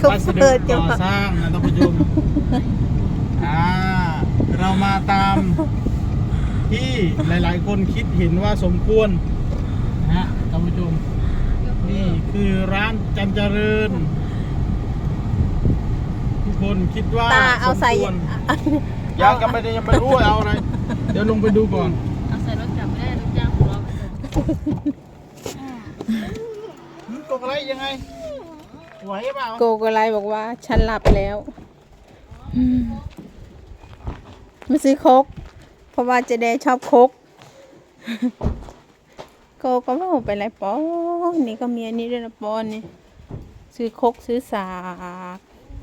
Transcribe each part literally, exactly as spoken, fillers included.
วัสดุก่อสร้างนะท่านผู้ชมอ่าเรามาตามที่หลายๆคนคิดเห็นว่าสมควรนะฮะท่านผู้ชมนี่คือร้านจันเจริญทุกคนคิดว่าตาเอาใส่สมควรยังก็ไม่ได้ยังไม่รู้ว่าเอาอะไรเดี๋ยวลงไปดูก่อนเอาใส่รถกลับไม่ได้รถจ้างของเรามันตกอะไรยังไงไหวเปล่าโกโกไลบอกว่าฉันหลับแล้วอืมมาซื้อโคกเพราะว่าเจเดชอบโคกโกก็ว่าไปไรปอนี่ก็มีอันนี้ด้วยนะปอนนี่ซื้อโคกซื้อสาก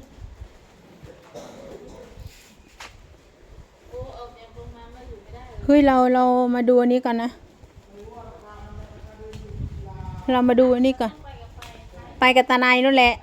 เฮ้ยเราเรามาดูอันนี้ก่อนนะเรามาดูอันนี้ก่อนไปกับตาไนนั่นแหละ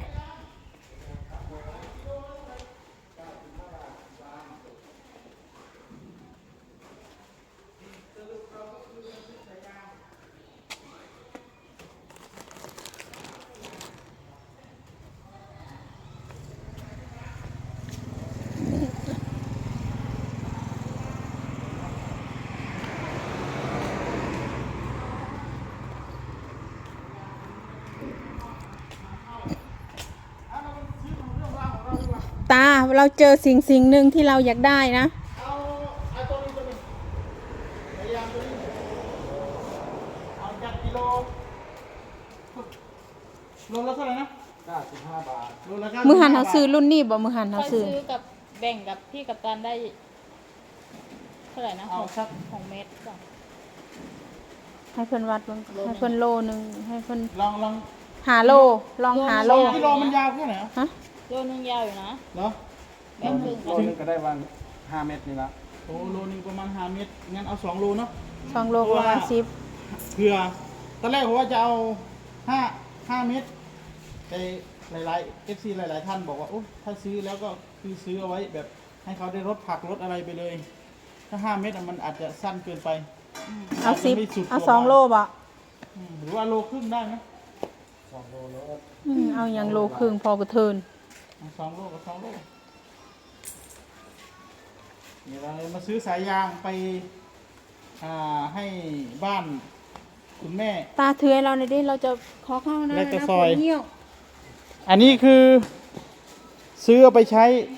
ตาเราเจอสิ่งสิ่งหนึ่งที่เราอยากได้นะเอาเอาตัวนี้ตัวนี้พยายามตัวนี้เอาจากกิโลโลละเท่าไหร่นะเก้าสิบห้าบาทโลละเก้าสิบห้าบาทมือหันเขาซื้อรุ่นนี้บ่มือหันค่เขาอยซื้อซื้อกับแบ่งกับพี่กับตันได้เท่าไหร่นะเอาสักของเมตรก่อนให้เพิ่นวัดเบิ่งให้เพิ่นโลนึงให้เพิ่นลองลองหาโลลองหาโลสองกิโลมันยาวแค่ไหนอะฮะโลนึงยาวอยู่นะเหรอแบ่งครึ่งโลนึงก็ได้วันห้าเม็ดนี่ละโอ้โลนึงประมาณห้าเมตรงั้นเอาสองโลเนาะสองโลประมาณสิบเผื่อตอนแรกผมว่าจะเอาห้าห้าเมตรแต่หลายๆ เอฟ ซี หลายๆท่านบอกว่าโอ้ถ้าซื้อแล้วก็คือซื้อเอาไว้แบบให้เขาได้รถผักรถอะไรไปเลย ถ้าห้าเมตรอะมันอาจจะสั้นเกินไปเอาสิบจจะไม่สุดเอาตัวสองโลบ่อืมหรือว่าโลครึ่งได้ไหมสองโลแล้วอืมเอาอย่างโลครึ่งพอกระเทินเอาสองโลกับสองโลเดี๋ยวเรามาซื้อสายยางไปอ่าให้บ้านคุณแม่ตาเถือให้เราหน่อยดิเราจะขอเข้านะแล้วจะนะซอยปวดเหี้ยวอันนี้คือซื้อเอาไปใช้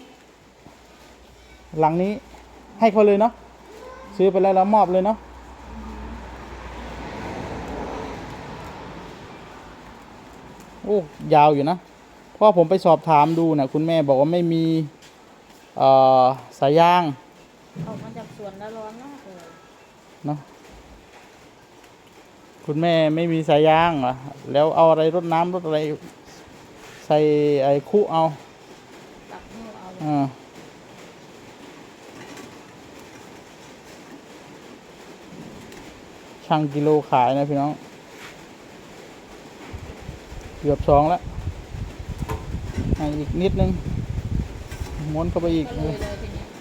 หลังนี้ให้เขาเลยเนาะซื้อไปแล้วเรามอบเลยเนาะโอ้ยาวอยู่นะเพราะผมไปสอบถามดูนะคุณแม่บอกว่าไม่มีเอ่อสายยางออกมาจากสวนแล้วร้อนมากเลยเนาะคุณแม่ไม่มีสายยางเหรอแล้วเอาอะไรรดน้ำรดอะไรใส่ไอ้คุเอาตักนิ้วเอาอ่าช่างกิโลขายนะพี่น้องเกือบสองแล้วให้อีกนิดนึงม้วนเข้าไปอีกก็เลยเลยทีนี้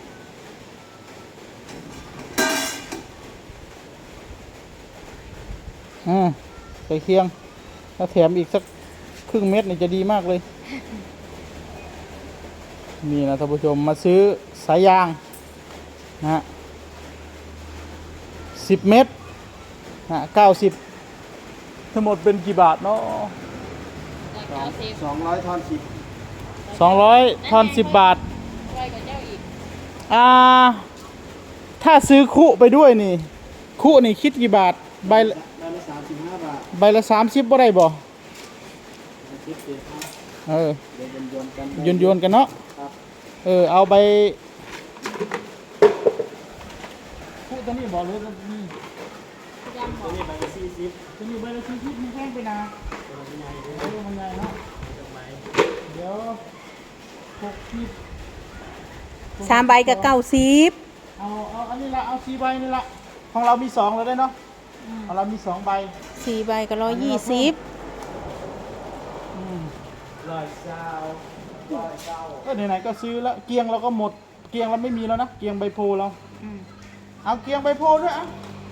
อ่าใส่เคียงถ้าแถมอีกสักครึ่งเม็ดนี่จะดีมากเลย นี่นะท่านผู้ชมมาซื้อสายยางนะฮะสิบเม็ดนะเก้าสิบทั้งหมดเป็นกี่บาทเนาะได้เก้าสิบสองร้อยทอนสิบสองร้อยทอนสิบบาทไว้กับเจ้าอีกอ่า ถ้าซื้อคุไปด้วยนี่ คุนี่คิดกี่บาท ใบละได้ละสามสิบห้าบาทใบละสามสิบบ่ได้บ่คิดเองครับเออเดี๋ยวโยนๆกันโยนโยนๆกันเนาะครับเออ เอาใบคุตัวนี้บอกเลยตัวนี้ยำหมตัวดนี้ใบละสี่สิบตัวนี้ใบละสี่สิบมันแพงไปนะตัวละใหญ่เลยเออมันใหญ่เนาะดอกไม้เดี๋ยวหกสิบสามใบกับเก้าสิบเอาเอาอันนี้ละเอาสี่ใบนี่ละของเรามีสองแล้วได้เนาะของเรามีสองใบสี่ใบกับร้อยยี่สิบอืมร้อยเก้าร้อยเก้าก็ไหนๆก็ซื้อแล้วเกียงเราก็หมดเกียงเราไม่มีแล้วนะเกียงใบโพเราอืมเอาเกียงใบโพด้วยอ่ะ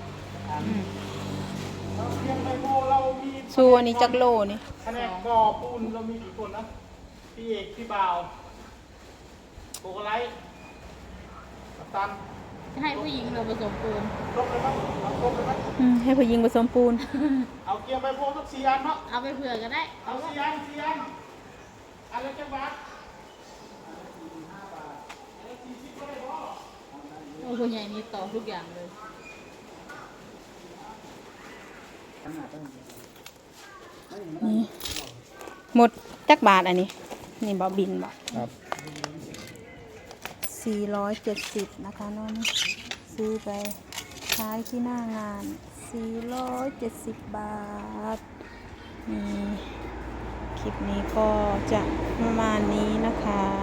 เอาเกียงใบโพเรามีส่วนนี้จักโลนี่แผนกก่อปูนเรามีกี่คนนะพี่เอกพี่บ่าวโกโกไลท์กัปตันจะให้ผู้หญิงเราผสมปูนครบเลยมั้ยเอาครบเลยมั้ยอืมให้ผู้หญิงผสมปูนเอาเกียร์ไปพวกสักสี่อันเนาะเอาไปเผื่อก็ได้เอาสี่อันสี่อันอันละจังหวัดโอ้คุณใหญ่นี่ต่อทุกอย่างเลยนี่หมดจักบาทอันนี้ นี่บอบินบอกครับสี่ร้อยเจ็ดสิบนะคะน้องนี่ซื้อไปใช้ที่หน้างานสี่ร้อยเจ็ดสิบบาทนี่คลิปนี้ก็จะประมาณนี้นะคะ